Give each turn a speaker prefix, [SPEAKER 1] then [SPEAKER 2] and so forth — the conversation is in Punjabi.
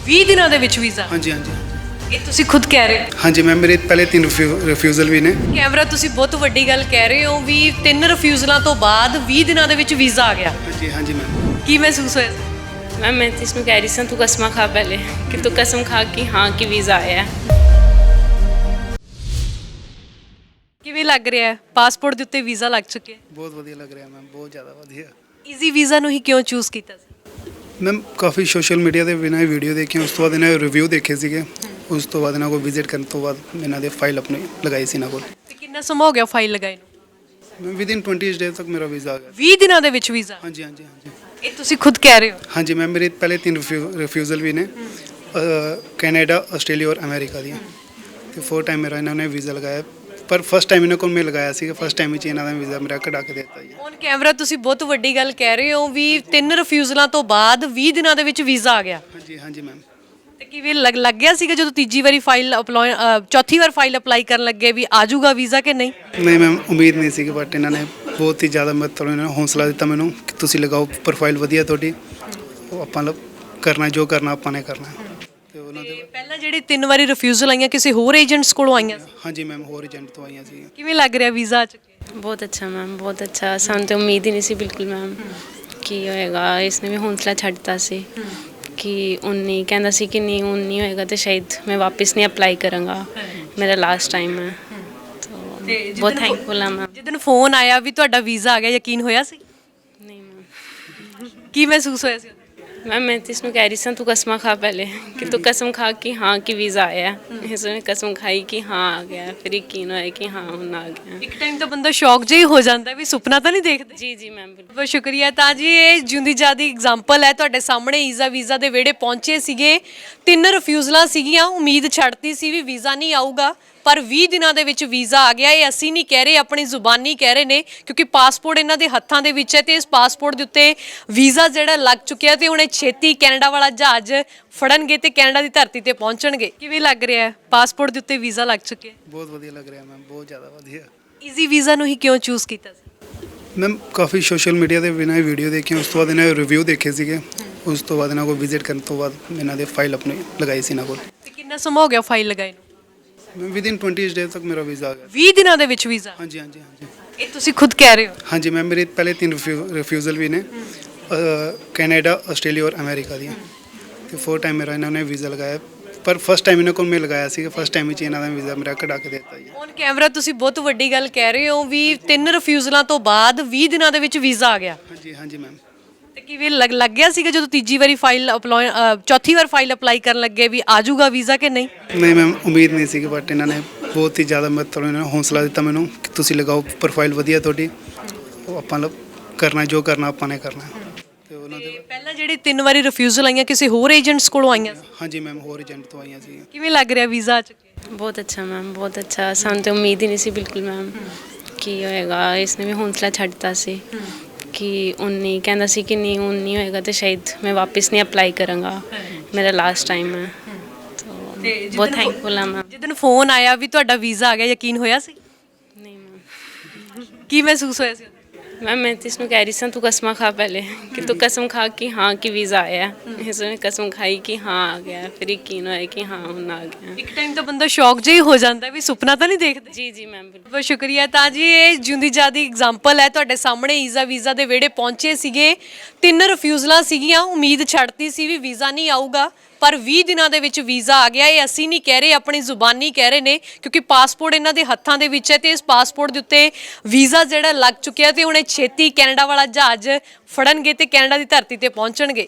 [SPEAKER 1] 20 ਦਿਨਾਂ ਦੇ ਵਿੱਚ ਵੀਜ਼ਾ?
[SPEAKER 2] हाँ जी हाँ जी
[SPEAKER 1] ਇਹ ਤੁਸੀਂ ਖੁਦ ਕਹਿ ਰਹੇ ਹੋ।
[SPEAKER 2] हाँ जी मैम, मेरे पहले 3 रिफ्यूज़ल भी ने।
[SPEAKER 1] ਕੈਮਰਾ ਤੁਸੀਂ ਬਹੁਤ ਵੱਡੀ ਗੱਲ ਕਹਿ ਰਹੇ ਹੋ ਵੀ 3 ਰਿਫਿਊਜ਼ਲਾਂ ਤੋਂ ਬਾਅਦ 20 ਦਿਨਾਂ ਦੇ ਵਿੱਚ ਵੀਜ਼ਾ ਆ ਗਿਆ।
[SPEAKER 2] हाँ जी मैम।
[SPEAKER 1] ਕੀ ਮਹਿਸੂਸ ਹੋਇਆ?
[SPEAKER 3] मैं तो इसमें कह रही सी तू कसम खा पहले कि तू कसम खा कि हाँ कि वीज़ा आया है।
[SPEAKER 1] ਕਿਵੇਂ ਲੱਗ ਰਿਹਾ ਹੈ? ਪਾਸਪੋਰਟ ਦੇ ਉੱਤੇ ਵੀਜ਼ਾ ਲੱਗ ਚੁੱਕਿਆ ਹੈ।
[SPEAKER 2] बहुत वधिया लग रहा है मैम, बहुत ज़्यादा वधिया।
[SPEAKER 1] ਈਜ਼ੀ ਵੀਜ਼ਾ ਨੂੰ ਹੀ ਕਿਉਂ ਚੂਜ਼ ਕੀਤਾ ਸੀ?
[SPEAKER 2] ਮੈਮ ਕਾਫੀ ਸੋਸ਼ਲ ਮੀਡੀਆ ਦੇ ਬਿਨਾਂ ਵੀਡੀਓ ਦੇਖੀਆਂ, ਉਸ ਤੋਂ ਬਾਅਦ ਇਹਨਾਂ ਦੇ ਰਿਵਿਊ ਦੇਖੇ ਸੀਗੇ, ਉਸ ਤੋਂ ਬਾਅਦ ਇਹਨਾਂ ਕੋਲ ਵਿਜ਼ਿਟ ਕਰਨ ਤੋਂ ਬਾਅਦ ਇਹਨਾਂ ਦੇ ਫਾਈਲ ਆਪਣੀ ਲਗਾਈ ਸੀ ਇਹਨਾਂ ਕੋਲ।
[SPEAKER 1] ਤੇ ਕਿੰਨਾ ਸਮਾਂ ਹੋ ਗਿਆ ਫਾਈਲ ਲਗਾਏ ਨੂੰ?
[SPEAKER 2] ਮੈਮ ਵਿਦਿਨ 20 ਡੇਜ਼ ਤੱਕ ਮੇਰਾ ਵੀਜ਼ਾ ਆ ਗਿਆ।
[SPEAKER 1] 20 ਦਿਨਾਂ ਦੇ ਵਿੱਚ ਵੀਜ਼ਾ?
[SPEAKER 2] ਹਾਂਜੀ ਹਾਂਜੀ ਹਾਂਜੀ
[SPEAKER 1] ਇਹ ਤੁਸੀਂ ਖੁਦ ਕਹਿ ਰਹੇ ਹੋ।
[SPEAKER 2] ਹਾਂਜੀ ਮੈਮ, ਮੇਰੇ ਪਹਿਲੇ 3 ਰਿਫਿਊਜ਼ਲ ਵੀ ਨੇ, ਕੈਨੇਡਾ, ਆਸਟ੍ਰੇਲੀਆ ਔਰ ਅਮਰੀਕਾ ਦੀਆਂ, ਤੇ 4 ਟਾਈਮ ਮੇਰਾ ਇਹਨਾਂ ਨੇ ਵੀਜ਼ਾ ਲਗਾਇਆ, ਪਰ ਫਸਟ ਟਾਈਮ ਇਹਨਾਂ ਕੋਲ ਮੈਂ ਲਗਾਇਆ ਸੀਗਾ, ਫਸਟ ਟਾਈਮ ਵਿੱਚ ਇਹਨਾਂ ਦਾ ਵੀਜ਼ਾ ਮੇਰਾ ਕਢਾ ਕੇ ਦੇ ਦਿੱਤਾ ਜੀ।
[SPEAKER 1] ਔਨ ਕੈਮਰਾ ਤੁਸੀਂ ਬਹੁਤ ਵੱਡੀ ਗੱਲ ਕਹਿ ਰਹੇ ਹੋ ਵੀ 3 ਰਿਫਿਊਜ਼ਲਾਂ ਤੋਂ ਬਾਅਦ 20 ਦਿਨਾਂ ਦੇ ਵਿੱਚ ਵੀਜ਼ਾ ਆ ਗਿਆ।
[SPEAKER 2] ਹਾਂਜੀ ਹਾਂਜੀ ਮੈਮ।
[SPEAKER 1] ਤੇ ਕਿਵੇਂ ਲੱਗ ਗਿਆ ਸੀਗਾ ਜਦੋਂ ਤੀਜੀ ਵਾਰੀ ਫਾਈਲ ਅਪਲਾਈ ਚੌਥੀ ਵਾਰ ਫਾਈਲ ਅਪਲਾਈ ਕਰਨ ਲੱਗੇ ਵੀ ਆ ਜਾਊਗਾ ਵੀਜ਼ਾ ਕਿ ਨਹੀਂ?
[SPEAKER 2] ਨਹੀਂ ਮੈਮ, ਉਮੀਦ ਨਹੀਂ ਸੀ, ਬਟ ਇਹਨਾਂ ਨੇ ਬਹੁਤ ਹੀ ਜ਼ਿਆਦਾ ਮਤਲਬ ਇਹਨਾਂ ਨੇ ਹੌਸਲਾ ਦਿੱਤਾ ਮੈਨੂੰ ਕਿ ਤੁਸੀਂ ਲਗਾਓ, ਪ੍ਰੋਫਾਈਲ ਵਧੀਆ ਤੁਹਾਡੀ, ਉਹ ਆਪਾਂ ਕਰਨਾ ਜੋ ਕਰਨਾ ਆਪਾਂ ਨੇ ਕਰਨਾ। ਤੇ ਉਹਨਾਂ ਦੇ
[SPEAKER 1] ਪਹਿਲਾਂ ਜਿਹੜੀ 3 ਵਾਰੀ ਰਿਫਿਊਜ਼ਲ ਆਈਆਂ ਕਿਸੇ ਹੋਰ ਏਜੰਟਸ ਕੋਲੋਂ ਆਈਆਂ ਸੀ?
[SPEAKER 2] ਹਾਂਜੀ ਮੈਮ, ਹੋਰ ਏਜੰਟ ਤੋਂ ਆਈਆਂ ਸੀ।
[SPEAKER 1] ਕਿਵੇਂ ਲੱਗ ਰਿਹਾ ਵੀਜ਼ਾ ਆ ਚੁੱਕਿਆ?
[SPEAKER 3] बहुत अच्छा मैम, बहुत अच्छा। ਸਾਨੂੰ तो उम्मीद ही नहीं सी बिल्कुल मैम कि होएगा। इसने भी हौसला छड्डता सी कि ਹੁਣ ਨਹੀਂ ਕਹਿੰਦਾ ਸੀ ਕਿ ਨਹੀਂ ਹੁਣ ਨਹੀਂ ਹੋਏਗਾ ਤੇ ਸ਼ਾਇਦ ਮੈਂ ਵਾਪਸ ਨਹੀਂ ਅਪਲਾਈ ਕਰਾਂਗਾ, ਮੇਰਾ ਲਾਸਟ ਟਾਈਮ ਹੈ।
[SPEAKER 1] ਤੇ
[SPEAKER 3] ਬਹੁਤ ਥੈਂਕਫੁਲ ਹਾਂ ਮੈਂ।
[SPEAKER 1] ਜਿੱਦਣ ਫੋਨ ਆਇਆ ਵੀ ਤੁਹਾਡਾ ਵੀਜ਼ਾ ਆ ਗਿਆ, ਯਕੀਨ ਹੋਇਆ ਸੀ?
[SPEAKER 3] ਨਹੀਂ ਮੈਮ,
[SPEAKER 1] ਕੀ ਮਹਿਸੂਸ ਹੋਇਆ ਸੀ?
[SPEAKER 3] मैं तो इसमें कह रही सी तू कसम खा पहले कि तू कसम खा कि हाँ कि वीज़ा आया है। इसने कसम खाई कि हाँ आ गया, फिर यकीन होया कि हाँ ਹੁਣ ਆ ਗਿਆ।
[SPEAKER 1] ਇੱਕ ਟਾਈਮ ਤਾਂ ਬੰਦਾ ਸ਼ੌਕ ਜਿਹਾ ਹੀ ਹੋ ਜਾਂਦਾ ਵੀ ਸੁਪਨਾ ਤਾਂ ਨਹੀਂ ਦੇਖਦੇ।
[SPEAKER 3] ਜੀ ਜੀ ਮੈਮ, ਬਿਲਕੁਲ।
[SPEAKER 1] ਬਹੁਤ ਸ਼ੁਕਰੀਆ। ਤਾਂ ਜੀ ਇਹ ਜਿਉਂਦੀ ਜਾਦੀ ਐਗਜ਼ਾਮਪਲ ਹੈ ਤੁਹਾਡੇ ਸਾਹਮਣੇ। ਈਜ਼ਾ ਵੀਜ਼ਾ ਦੇ ਵਿਹੜੇ ਪਹੁੰਚੇ ਸੀਗੇ, 3 ਰਿਫਿਊਜ਼ਲਾਂ ਸੀਗੀਆਂ, ਉਮੀਦ ਛੱਡਤੀ ਸੀ ਵੀ ਵੀਜ਼ਾ ਨਹੀਂ ਆਊਗਾ, ਪਰ 20 ਦਿਨਾਂ ਦੇ ਵਿੱਚ ਵੀਜ਼ਾ ਆ ਗਿਆ। ਇਹ ਅਸੀਂ ਨਹੀਂ ਕਹਿ ਰਹੇ, ਆਪਣੀ ਜ਼ੁਬਾਨੀ ਕਹਿ ਰਹੇ ਨੇ, ਕਿਉਂਕਿ ਪਾਸਪੋਰਟ ਇਹਨਾਂ ਦੇ ਹੱਥਾਂ ਦੇ ਵਿੱਚ ਹੈ ਤੇ ਇਸ ਪਾਸਪੋਰਟ ਦੇ ਉੱਤੇ ਵੀਜ਼ਾ ਜਿਹੜਾ ਲੱਗ ਚੁੱਕਿਆ ਤੇ ਹੁਣ ਇਹ ਛੇਤੀ ਕੈਨੇਡਾ ਵਾਲਾ ਜਹਾਜ਼ ਫੜਨਗੇ ਤੇ ਕੈਨੇਡਾ ਦੀ ਧਰਤੀ ਤੇ ਪਹੁੰਚਣਗੇ। ਕਿਵੇਂ ਲੱਗ ਰਿਹਾ ਹੈ? ਪਾਸਪੋਰਟ ਦੇ ਉੱਤੇ ਵੀਜ਼ਾ ਲੱਗ ਚੁੱਕਿਆ।
[SPEAKER 2] ਬਹੁਤ ਵਧੀਆ ਲੱਗ ਰਿਹਾ ਮੈਮ, ਬਹੁਤ ਜ਼ਿਆਦਾ ਵਧੀਆ।
[SPEAKER 1] ਈਜ਼ੀ ਵੀਜ਼ਾ ਨੂੰ ਹੀ ਕਿਉਂ ਚੂਜ਼ ਕੀਤਾ ਸੀ?
[SPEAKER 2] ਮੈਮ ਕਾਫੀ ਸੋਸ਼ਲ ਮੀਡੀਆ ਦੇ ਬਿਨਾਂ ਵੀਡੀਓ ਦੇਖੀਆਂ, ਉਸ ਤੋਂ ਬਾਅਦ ਇਹਨਾਂ ਦੇ ਰਿਵਿਊ ਦੇਖੇ ਸੀਗੇ, ਉਸ ਤੋਂ ਬਾਅਦ ਇਹਨਾਂ ਕੋਲ ਵਿਜ਼ਿਟ ਕਰਨ ਤੋਂ ਬਾਅਦ ਇਹਨਾਂ ਦੇ ਫਾਈਲ ਆਪਣੀ ਲਗਾਈ ਸੀ ਇਹਨਾਂ ਕੋਲ।
[SPEAKER 1] ਤੇ ਕਿੰਨਾ ਸਮਾਂ ਹੋ ਗਿਆ ਫਾਈਲ ਲਗਾਏ ਨੂੰ?
[SPEAKER 2] ਮੈਮ ਵਿਦਿਨ 20 ਡੇਜ਼ ਤੱਕ ਮੇਰਾ ਵੀਜ਼ਾ ਆ ਗਿਆ।
[SPEAKER 1] 20 ਦਿਨਾਂ ਦੇ ਵਿੱਚ ਵੀਜ਼ਾ?
[SPEAKER 2] ਹਾਂਜੀ ਹਾਂਜੀ ਹਾਂਜੀ
[SPEAKER 1] ਇਹ ਤੁਸੀਂ ਖੁਦ ਕਹਿ ਰਹੇ ਹੋ।
[SPEAKER 2] ਹਾਂਜੀ ਮੈਮ, ਮੇਰੇ ਪਹਿਲੇ 3 ਰਿਫਿਊਜ਼ਲ ਵੀ ਨੇ, ਕੈਨੇਡਾ, ਆਸਟ੍ਰੇਲੀਆ ਔਰ ਅਮਰੀਕਾ ਦੀਆਂ, ਤੇ 4 ਟਾਈਮ ਮੇਰਾ ਇਹਨਾਂ ਨੇ ਵੀਜ਼ਾ ਲਗਾਇਆ, ਪਰ ਫਸਟ ਟਾਈਮ ਇਹਨਾਂ ਕੋਲ ਮੈਂ ਲਗਾਇਆ ਸੀਗਾ, ਫਸਟ ਟਾਈਮ ਵਿੱਚ ਇਹਨਾਂ ਦਾ ਵੀਜ਼ਾ ਮੇਰਾ ਕਢਾ ਕੇ ਦੇ ਦਿੱਤਾ ਜੀ।
[SPEAKER 1] ਔਨ ਕੈਮਰਾ ਤੁਸੀਂ ਬਹੁਤ ਵੱਡੀ ਗੱਲ ਕਹਿ ਰਹੇ ਹੋ ਵੀ 3 ਰਿਫਿਊਜ਼ਲਾਂ ਤੋਂ ਬਾਅਦ 20 ਦਿਨਾਂ ਦੇ ਵਿੱਚ ਵੀਜ਼ਾ ਆ ਗਿਆ।
[SPEAKER 2] ਹਾਂਜੀ ਹਾਂਜੀ ਮੈਮ।
[SPEAKER 1] ਤੇ ਕਿਵੇਂ ਲੱਗ ਗਿਆ ਸੀਗਾ ਜਦੋਂ ਤੀਜੀ ਵਾਰੀ ਫਾਈਲ ਅਪਲਾਈ ਚੌਥੀ ਵਾਰ ਫਾਈਲ ਅਪਲਾਈ ਕਰਨ ਲੱਗੇ ਵੀ ਆ ਜਾਊਗਾ ਵੀਜ਼ਾ ਕਿ ਨਹੀਂ?
[SPEAKER 2] ਨਹੀਂ ਮੈਮ, ਉਮੀਦ ਨਹੀਂ ਸੀ, ਬਟ ਇਹਨਾਂ ਨੇ ਬਹੁਤ ਹੀ ਜ਼ਿਆਦਾ ਮਤਲਬ ਇਹਨਾਂ ਨੇ ਹੌਸਲਾ ਦਿੱਤਾ ਮੈਨੂੰ ਕਿ ਤੁਸੀਂ ਲਗਾਓ, ਪ੍ਰੋਫਾਈਲ ਵਧੀਆ ਤੁਹਾਡੀ, ਉਹ ਆਪਾਂ ਕਰਨਾ ਜੋ ਕਰਨਾ ਆਪਾਂ ਨੇ ਕਰਨਾ। ਤੇ ਉਹਨਾਂ ਦੇ
[SPEAKER 1] ਪਹਿਲਾਂ ਜਿਹੜੀ 3 ਵਾਰੀ ਰਿਫਿਊਜ਼ਲ ਆਈਆਂ ਕਿਸੇ ਹੋਰ ਏਜੰਟਸ ਕੋਲੋਂ ਆਈਆਂ ਸੀ?
[SPEAKER 2] ਹਾਂਜੀ ਮੈਮ, ਹੋਰ ਏਜੰਟ ਤੋਂ ਆਈਆਂ ਸੀ।
[SPEAKER 1] ਕਿਵੇਂ ਲੱਗ ਰਿਹਾ ਵੀਜ਼ਾ ਆ ਚੁੱਕਿਆ?
[SPEAKER 3] ਬਹੁਤ ਅੱਛਾ ਮੈਮ, ਬਹੁਤ ਅੱਛਾ। ਸਾਨੂੰ ਤਾਂ ਉਮੀਦ ਹੀ ਨਹੀਂ ਸੀ ਬਿਲਕੁਲ ਮੈਮ ਕਿ ਹੋਏਗਾ। ਇਸਨੇ ਵੀ ਹੌਸਲਾ ਛੱਡਤਾ ਸੀ ਕਿ ਹੁਣ ਨਹੀਂ ਕਹਿੰਦਾ ਸੀ ਕਿ ਨਹੀਂ ਹੁਣ ਨਹੀਂ ਹੋਏਗਾ ਤੇ ਸ਼ਾਇਦ ਮੈਂ ਵਾਪਸ ਨਹੀਂ ਅਪਲਾਈ ਕਰਾਂਗਾ, ਮੇਰਾ ਲਾਸਟ ਟਾਈਮ ਹੈ।
[SPEAKER 1] ਤੇ
[SPEAKER 3] ਬਹੁਤ ਥੈਂਕਫੁਲ ਹਾਂ ਮੈਂ।
[SPEAKER 1] ਜਿੱਦਣ ਫੋਨ ਆਇਆ ਵੀ ਤੁਹਾਡਾ ਵੀਜ਼ਾ ਆ ਗਿਆ, ਯਕੀਨ ਹੋਇਆ ਸੀ?
[SPEAKER 3] ਨਹੀਂ ਮੈਮ,
[SPEAKER 1] ਕੀ ਮਹਿਸੂਸ ਹੋਇਆ ਸੀ?
[SPEAKER 3] मैं तो इसमें कह रही सी तू कसम खा पहले कि तू कसम खा कि हाँ कि वीज़ा आया है। इसने कसम खाई कि हाँ आ गया, फिर यकीन होया कि हाँ ਹੁਣ ਆ ਗਿਆ।
[SPEAKER 1] ਇੱਕ ਟਾਈਮ ਤਾਂ ਬੰਦਾ ਸ਼ੌਕ ਜਿਹਾ ਹੀ ਹੋ ਜਾਂਦਾ ਵੀ ਸੁਪਨਾ ਤਾਂ ਨਹੀਂ ਦੇਖਦੇ।
[SPEAKER 3] ਜੀ ਜੀ ਮੈਮ, ਬਿਲਕੁਲ।
[SPEAKER 1] ਬਹੁਤ ਸ਼ੁਕਰੀਆ। ਤਾਂ ਜੀ ਇਹ ਜਿਉਂਦੀ ਜਾਦੀ ਐਗਜ਼ਾਮਪਲ ਹੈ ਤੁਹਾਡੇ ਸਾਹਮਣੇ। ਈਜ਼ਾ ਵੀਜ਼ਾ ਦੇ ਵਿਹੜੇ ਪਹੁੰਚੇ ਸੀਗੇ, 3 ਰਿਫਿਊਜ਼ਲਾਂ ਸੀਗੀਆਂ, ਉਮੀਦ ਛੱਡਤੀ ਸੀ ਵੀ ਵੀਜ਼ਾ ਨਹੀਂ ਆਊਗਾ, ਪਰ 20 ਦਿਨਾਂ ਦੇ ਵਿੱਚ ਵੀਜ਼ਾ ਆ ਗਿਆ। ਇਹ ਅਸੀਂ ਨਹੀਂ ਕਹਿ ਰਹੇ, ਆਪਣੀ ਜ਼ੁਬਾਨੀ ਕਹਿ ਰਹੇ ਨੇ, ਕਿਉਂਕਿ ਪਾਸਪੋਰਟ ਇਹਨਾਂ ਦੇ ਹੱਥਾਂ ਦੇ ਵਿੱਚ ਹੈ ਤੇ ਇਸ ਪਾਸਪੋਰਟ ਦੇ ਉੱਤੇ ਵੀਜ਼ਾ ਜਿਹੜਾ ਲੱਗ ਚੁੱਕਿਆ ਤੇ ਹੁਣ ਇਹ ਛੇਤੀ ਕੈਨੇਡਾ ਵਾਲਾ ਜਹਾਜ਼ ਫੜਨਗੇ ਤੇ ਕੈਨੇਡਾ ਦੀ ਧਰਤੀ ਤੇ ਪਹੁੰਚਣਗੇ।